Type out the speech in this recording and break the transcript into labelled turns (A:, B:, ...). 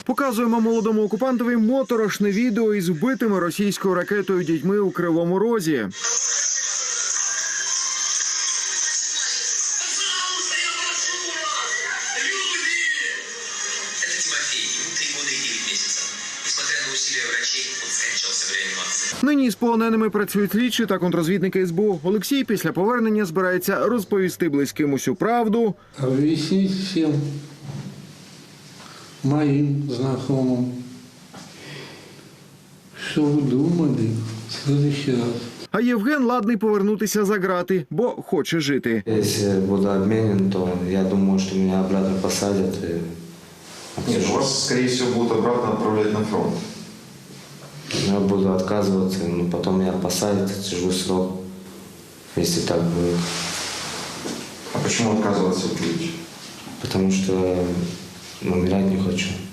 A: Показуємо молодому окупантові моторошне відео із вбитими російською ракетою дітьми у Кривому Розі. Нині з полоненими працюють слідчі та контррозвідники СБУ. Олексій після повернення збирається розповісти близьким усю правду.
B: Объяснить всем моим знакомым, что вы думали в следующий раз.
A: А Євген ладний повернутися за грати, бо хоче жити.
C: Если буду обменен, то я думаю, что меня обратно посадят.
D: Нет, вас, скорее всего, будут обратно отправлять на фронт.
C: Я буду отказываться, но потом меня посадят, сижу срок, если так будет.
D: А почему отказываться будете?
C: Потому что умирать не хочу.